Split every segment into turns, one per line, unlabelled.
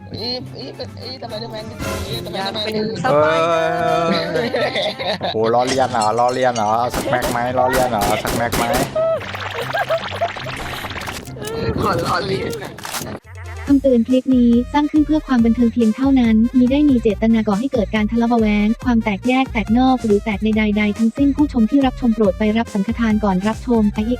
สไปเดอร์แมนสไป
อยา
เด
ก
อร์แมน
เป็นสไปเดอร์
โอ้ล้อเลียนเหรอล้อเลียนเหรอสักแม็กไหมล้อเลียนเหรอสักแม็กไหม
ขอล้อเลียน
คำเตือนคลิปนี้สร้างขึ้นเพื่อความบันเทิงเพียงเท่านั้นมิได้มีเจตนาก่อให้เกิดการทะเลาะเบาะแว้งความแตกแยกแตกนอกหรือแตกในใดๆทั้งสิ้นผู้ชมที่รับชมโปรดไปรับสังฆทานก่อนรับชมช่วย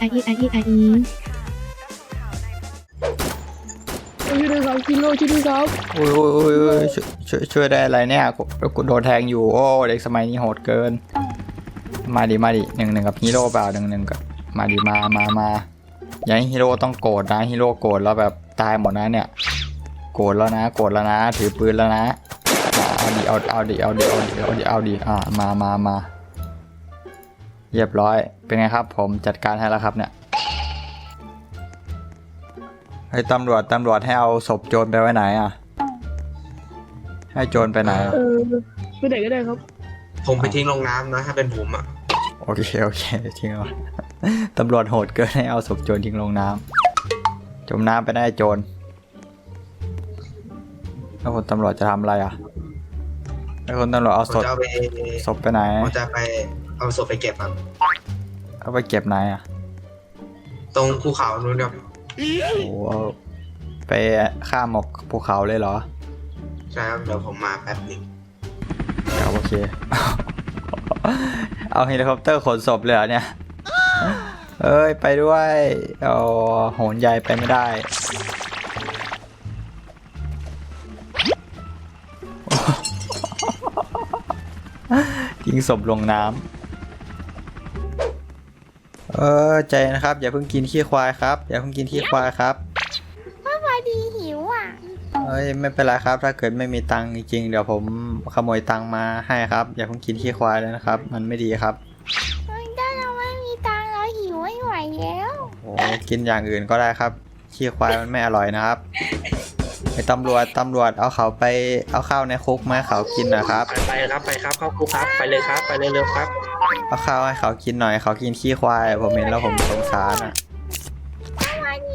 ด้วยครับคิโลช่วยด้วยครับ
โอ้ยช่วยได้อะไรเนี่ยกูโดนแทงอยู่โอ้เด็กสมัยนี้โหดเกินมาดิหนึ่งกับฮีโร่เปล่าหนึ่งกับมาดิมาอย่าให้ฮีโร่ต้องโกรธนะฮีโร่โกรธแล้วแบบตายหมดนะเนี่ยโกรธแล้วนะถือปืนแล้วนะเอาดิมาเรียบร้อยเป็นไงครับผมจัดการให้แล้วครับเนี่ยให้ตำรวจให้เอาศพโจรไปไว้ไหนอ่ะให้โจรไปไหนอ่ะ
ไปไหนก็ได้ครับ
ผมไปทิ้งลงน้ำนะถ้าเป็นผมอ่ะ
โอเคทิ้งเอา ตำรวจโหดเกินให้เอาศพโจรทิ้งลงน้ำจมน้ำไปได้โจรแล้วคนตำรวจจะทำอะไรอ่ะแล้วคนตำรวจเอา
ผมจะเอาไป
ศพไปไหน
ผมจะไปเอาศพไปเก็บครับ
เอาไปเก็บไหนอ่ะ
ตรงภูเขานู้นครับ
โอ้ไปข้ามหมอกภูเขาเลยเหรอ
ใช่ครับเดี๋ยวผมมาแป๊บหนึง
ครับโอเค เอาเฮลิคอปเตอร์ขนศพเลยเหรอเนี่ยเอ้ยไปด้วยเอาโหนใหญ่ไปไม่ได้ ทิ้งศพลงน้ำใจนะครับอย่าเพิ่งกินขี้ควายครับอย่าเพิ่งกินขี้ควายครับ
พอดีหิวอ่ะ
เอ้ยไม่เป็นไรครับถ้าเกิดไม่มีตังค์จริงๆเดี๋ยวผมขโมยตังค์มาให้ครับอย่าเพิ่งกินขี้ควายเลยนะครับมันไม่ดีครับ
ถ้าเราไม่มีตังค์เราหิวไม่ไหวแล้ว
โอ้กินอย่างอื่นก็ได้ครับขี้ควายมันไม่อร่อยนะครับไอ้ตำรวจเอาเขาไปเอาข้าวในคุกมาให้เขากินนะครับ
ไปครับเข้าคุกครับไปเลยครับไปเร็วๆครับ
เอาข้าวให้เขากินหน่อยเขากินขี้ควายผมเห็นแล้วผมสงสารอ่ะ
ก็มาดิ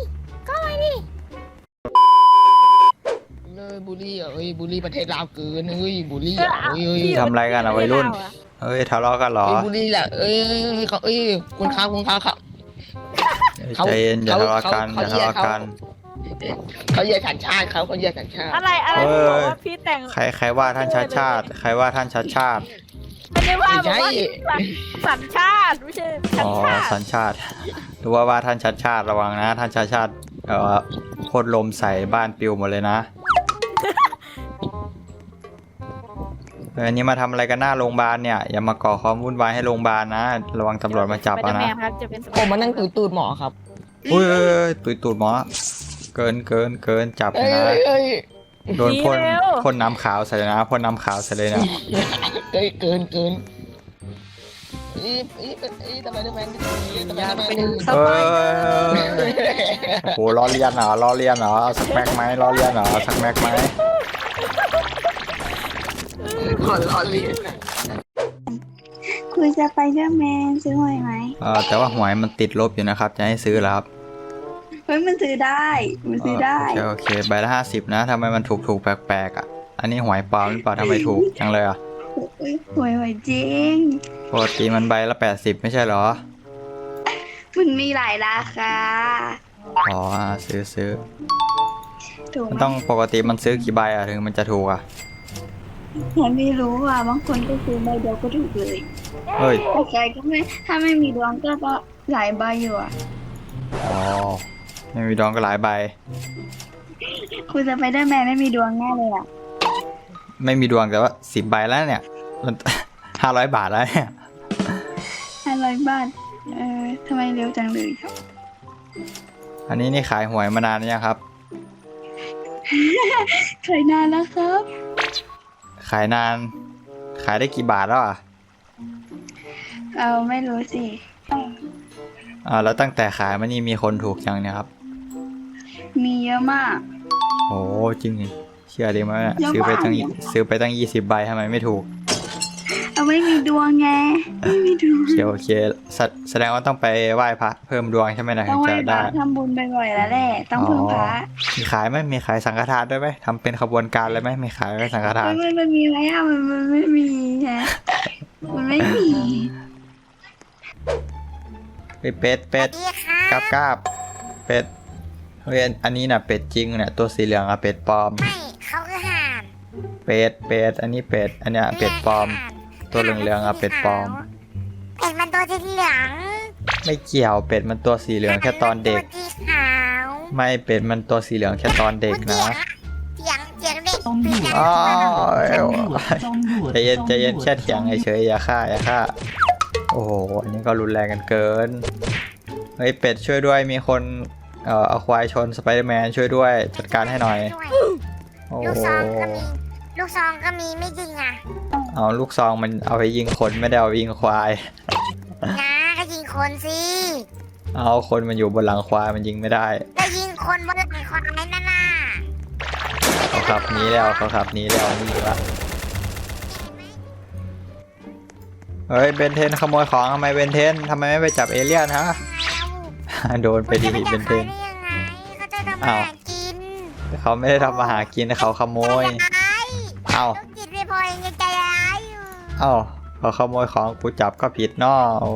เลยบูลลี่อ่ะบูลลี่ประเทศลาวเกินบูลลี่อ่ะ
ทำอะไรกันอ่ะวัยรุ่นเอ้ยทะเลาะกันเหรอ
บูลลี่แหละเขาคุณค้าเขา
ใจเย็นอย่าทะเลาะกันอย่าทะเลาะกัน
เขาแยกสัญชาติเขาแยกสัญชาติ
อะไรที่บอกว่าพี่แต่ง
ใครว่าท่านชัดชาติใครว่าท่านชัดชาติ
ไม่ได้ว่าบอกว่าสัญชาติไม่ใช่สัญ
อ๋อ
ชาติ
สัญชาติหรือว่าท่านชัดชาติระวังนะท่านชัดชาติพ่นลมใส่บ้านปิวหมดเลยนะอันนี้มาทำอะไรกันหน้าโรงพยาบาลเนี่ยอย่ามาก่อความวุ่นวายให้โรงพยาบาลนะระวังตำรวจมาจับ
ไป
เอา
แม
นะ
นครับจะเป็น
ผมมานั่งตูดหมอครับ
อุ้ยตุยตูดหมอเกินจับนะโดนพ่นน้ำขาวใส่เลยนะพ่นน้ำขาวใส่เลยนะ
เกินสไปเดอร์แมน
อยากเป็นส
เอ
ไปเดอร์
โหล้อเลียนเหรอสักแม็กไหมล้อเลียนเหรอสักแม็กไหม
ขอล้อเลียน
คุยสไปเดอร์แมนซื้อหวยไหม
แต่ว่าหวยมันติดลบอยู่นะครับจะให้ซื้อแล้วครับ
เฮ้ยมันซื้อได้
โอเคใบละ50นะทำไมมันถูกแปลกๆอ่ะอันนี้หวยปลอมหรือเปล่าทำไมถูกจังเลยอ่ะ
หวยจริง
ปกติมันใบละ80ไม่ใช่เหรอ
มันมีหลายราคา
อ๋อซื้อ
ถูก
มัน
ไหม
ต้องปกติมันซื้อกี่ใบอ่ะถึงมันจะถูกอ่ะ
ฉันไม่รู้อ่ะบางคนก็ซื้อใบเดียวก็ถูกเลย
เฮ้ย
แต่ใครก็ไม่ถ้าไม่มีดวงก็หลายใบอยู่อ่ะ
อ๋อไม่มีดองก็หลายใบ
คุยสไปเดอร์แมนไม่มีดวงแน่เลยอ่ะ
ไม่มีดวงแต่ว่า10ใบแล้วเนี่ยมัน500 บาทแล้วเนี่ย
500 บาททำไมเร็วจังเลย
อันนี้นี่ขายหวยมานานหรือยังครับ
เคยนานแล้วครับ
ขายนานขายได้กี่บาทแล้วอ่ะ
ไม่รู้สิ
แล้วตั้งแต่ขายมานี่มีคนถูกยังเนี่ยครับ
มีเยอะมาก
โอ้จริงดิเชื่อดีไหมเนี่ย
เยอะ
ซื้อไป
มาก
ตั้ง20 ใบทำไมไม่ถูก
เอาไม่มีดวงไงไม่มีดวง
โอเคแสดงว่าต้องไปไหว้พระเพิ่มดวงใช่ไหมนะ
ต้
ถึ
อง
ง
ไหว้
จะ
พ
ได้
ระทำบุญบ่อยๆแล้วแหละต้องพึ่งพระ
มีขายไหมมีขายสังฆทานด้วยไหมทำเป็นขบวนการเลยไหมมีขายไหมสังฆทาน
มันมีไหมอ่ะมันไม่มีฮะมันไม่มี
เป็ดกราบเป็ดเฮ้ยอันนี้น่ะเป็ดจริงเนี่ยตัวสีเหลืองอะเป็ดปลอม
ไม่เขาคือห่าน
เป็ดอันนี้เป็ดอันเนี้ยเป็ดปลอม ตัวเหลืองๆอะเป็ดปลอม
เป็ดมันตัวสีเหลือง
ไม่เกี่ยวเป็ดมันตัวสีเหลืองแค่ตอนเด็ก
ตัวสีขาว
ไม่เป็ดมันตัวสีเหลืองแค่ตอนเด็กนะ
เถียงเด็ก
อ๋อใจเย็นแค่เถียงเฉยๆอย่าฆ่าโอ้โหอันนี้ก็รุนแรงกันเกินเฮ้ยเป็ดช่วยด้วยมีคนเอาควายชนสไปเดอร์แมนช่วยด้วยจัดการให้หน่อยโอ้
ลูกซองก็มีลูกซองก็มีไม่จริงอ่ะ
เอาลูกซองมันเอาไปยิงคนไม่ได้เอาไปยิงควาย
นะก็ยิงคนสิ
เอาคนมันอยู่บนหลังควายมันยิงไม่ได้
ก็ยิงคนบนหลังควายนั่นน่ะ
เขาขับหนี้แล้วนี่ละเฮ้ยเบนเทนขโมยของทำไมเบนเทนทำไมไม่ไปจับเอเลี่ยนฮะ โดนไปดีเบนเทน
เขาจะทำอาหารกิน
เขาไม่ได้ทำมาหากินเขาขโมย เอ้า
ลูกจิตไม่พอยังใจร้ายอยู่
เอ้าเขาขโมยของกูจับก็ผิดเนาะโอ้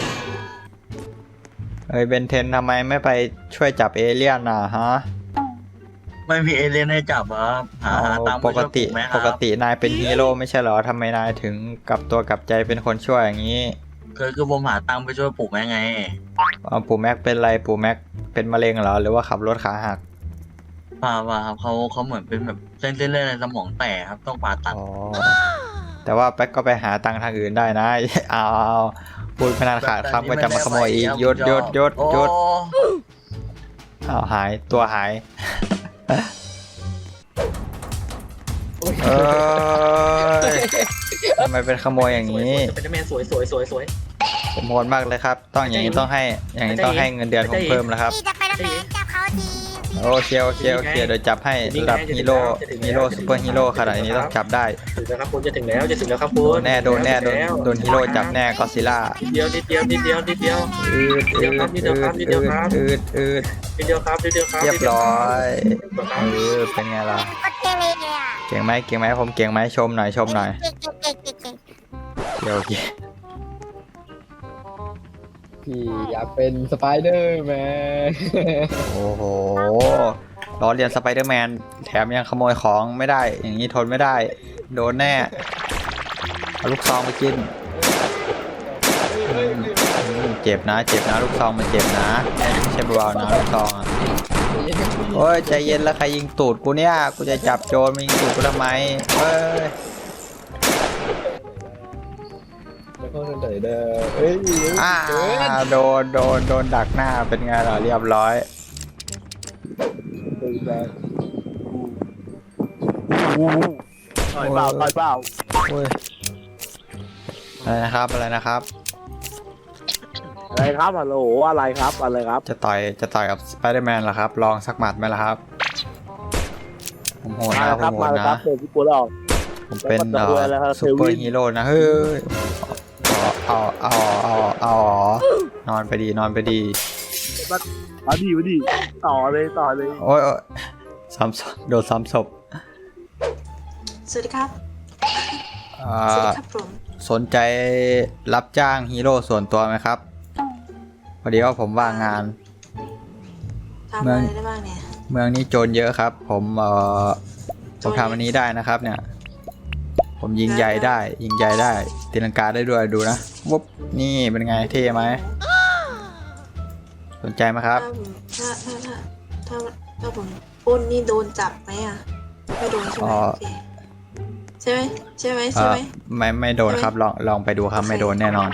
เฮ้ยเบนเทนทำไมไม่ไปช่วยจับเอเลี่ยนน่ะฮะ
ไม่มีเอเลี่ยนให้จับครับหาตังค์
ป
ไป
ก
ช่วย
ติ
ปลูกไหมค
ป
รับ
กตินายเป็นฮีโร่ไม่ใช่เหรอทำไมนายถึงกลับตัวกลับใจเป็นคนช่วยอย่างนี้
คือผมหาตังค์ไปช่วยปลูกแม่ไง
ปู่แม็กเป็นไรปู่แม็กเป็นมะเร็งเหรอหรือว่าขับรถขาหัก
ว่าครับเขาเหมือนเป็นแบบเส้นเลือดในสมองแตกครับต้องผ่าตัด
อ๋อแต่ว่าแป๊กก็ไปหาตังค์ทางอื่นได้นะ เอาพูดพนันขาดคำก็จะมาขโมยอีกหยุด
โอ้
เอาหายตัวหายเอ้ยทำไมเป็นขโมยอย่างนี้
สไปเดอร์แมนสวย
ผมโหดมากเลยครับต้องอย่างนี้ต้องให้เงินเดือนผมเพิ่มแล้วครับ
พี่จะไปทำไมจับเขาที
โอเคเดี๋ยวจับให้ระดับฮีโร่ซูเปอร์ฮีโร่ขนาดนี้ต้องจับได้
ถึงแล้วครับคุณจะถึงแล้วครับคุ
โด
ณ
นแน่โดนฮีโร่จับแน่ก็อดซิลล่า
นิดเดียว
อืด
นิดเดียวครับ
เรียบร้อยเป็นไงล่ะ
ก็เทเลยอ่ะ
เก่งไหมผมเก่งไหมชมหน่อย
เก่ง
โอเค
พี่อยากเป็นสไปเดอร์แมน
โอ้โหล้อเลียนสไปเดอร์แมนแถมยังขโมยของไม่ได้ อย่างนี้ทนไม่ได้ โดนแน่เอาลูกซองไปกินเจ็บนะลูกซองมันเจ็บนะไม่ใช่เบาๆนะลูกซองอ่ะโอ้ยใจเย็นแล้วใครยิงตูดกูเนี่ยกูจะจับโจรมายิงตูดกูทำไมเอ้ย
แล้วก็เฉยๆเด้อเฮ้ย
โดนดักหน้าเป็นไงล่ะเรียบร้อยโอ้ยอะไรนะครับ
อะไรครับฮัลโหลอะไรครับ
จะต่อยกับสไปเดอร์แมนเหรอครับลองสักหมัดไหมล่ะครับผมโหดนะ
มาแล้วครับพี่กูแล้ว
ผมเป็น
แล้วครับ
ซูเปอร์ฮีโร่นะเฮ้ยเอานอนไปดี
มาดีต่อเลย
โอ้ยซ้ำศพโดนซ้ำศพ
สวัสดีครับ
อ่า
สวัสดีครับผม
สนใจรับจ้างฮีโร่ส่วนตัวไหมครับพอดีว่าผมว่างงาน
ทำอะไรได้บ้างเนี่ย
เมืองนี้โจรเยอะครับ ผมทำอันนี้ได้นะครับเนี่ย ผมยิงใหญ่ได้ตีลังกาได้ด้วยดูนะวุ๊บนี่เป็นไงเท่ไหมสนใจไหมครับ
ถ้าผมปล้นนี่โดนจับไหมอ่ะไม่โดนใช่ไหมโอเคใช่ไหม
ไม่โดนครับลองไปดูครับไม่โดนแน่นอน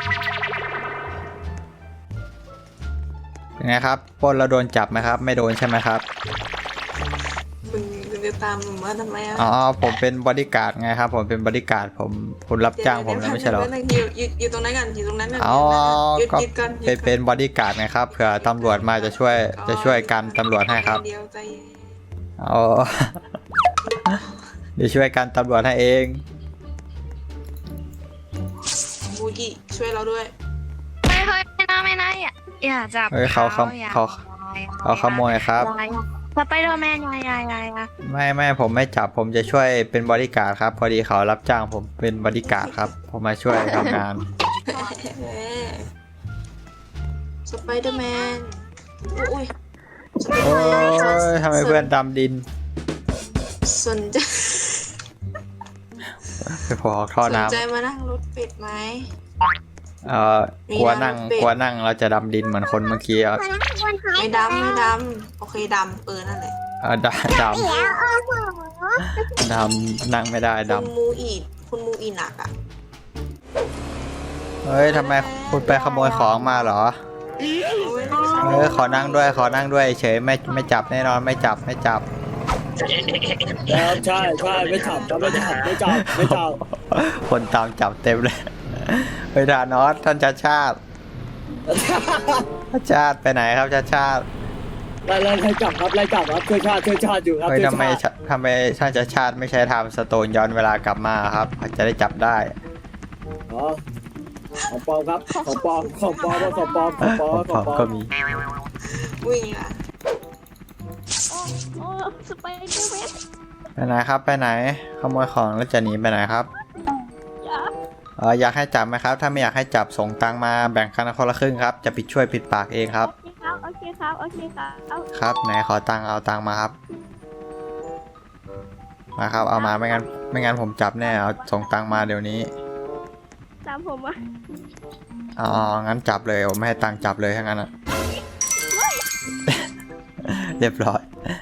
เป็นไงครับปล้นแล้วโดนจับไหมครับ ไม่โดนใช่ไหมครับ
คุณจะตามผมมาทำไมอ่ะ
อ๋อผมเป็นบอดี้การ์ดไงครับผมเป็นบอดี้การ์ดคุณรับจ้างผมแล้วไม่ใช่หรอ
อยู่ตรงนั้นกันอยู่ตรงนั้นกัน
อ๋อ ก็
หยุดก่อน
เป็นบอดี้การ์ดไงครับเผื่อตำรวจมาจะช่วยกันตำรวจให้ครับ
เดียวใจ
อ๋อ เดี๋ยวช่วยกันตำรวจให้เอง
พี่ช่วยเราด้วย
ไม่เคยไม่นะอย่าจับ
เฮ้ยเขาขโมยครับ
สไปเดอร์แมนยาย
ไม่ผมไม่จับผมจะช่วยเป็นบริการดครับ พอดีเขารับจ้างผมเป็นบริการดครับ ผมมาช่วยทำงาน
สไปเดอร์แมนอุ้ย
โอ้ยทำไมเพื่อนดำดิน
สนใจ
ไปพอท่อ
สน
น้
ใจมานั่งรถเป็ดไหม
ำกลัวนั่งเราจะดำดินเหมือนคนเมื่อกี้อ่ะ
ไม่ดำโอเคดำนั่นแหละ
ดำนั่งไม่ได้ด
คุณมูอีหนักอ่ะ
ำเฮ้ยทำไมคุณไปขโมยของมาเหรอขอนั่งด้วยเฉยไม่จับแน่นอนไม่จับ
แล้วใช่ไม่จับไม่จับ
คนตามจับเต็มเลยเฮ้ยดานอสท่านชาติไปไหนครับชาติ
ไล่จับครับช่วยชาติอยู่ครับ
เฮ้ยทำไมท่านชาติไม่ใช้ไทม์สโตนย้อนเวลากลับมาครับจะได้จับได้
อ๋อของปลอมครับของปลอม
ก็มี
วิ่งอ่ะ
โอ้สไปเดอร์แมน
ไปไหนครับไปไหนขโมยของแล้วจะหนีไปไหนครับอยากให้จับไหมครับถ้าไม่อยากให้จับส่งตังมาแบ่งกันคนละครึ่งครับจะช่วยปิดปากเองครับ
โอเคครับ
ครับไหนขอตังค์เอาตังค์มาครับมาครับเอามาไม่งั้นผมจับแน่เอาส่งตังค์มาเดี๋ยวนี้
ตามผมอ่ะ
อ๋องั้นจับเลยผมไม่ให้ตังค์จับเลยถ้างั้นอ่ะ เรียบร้อย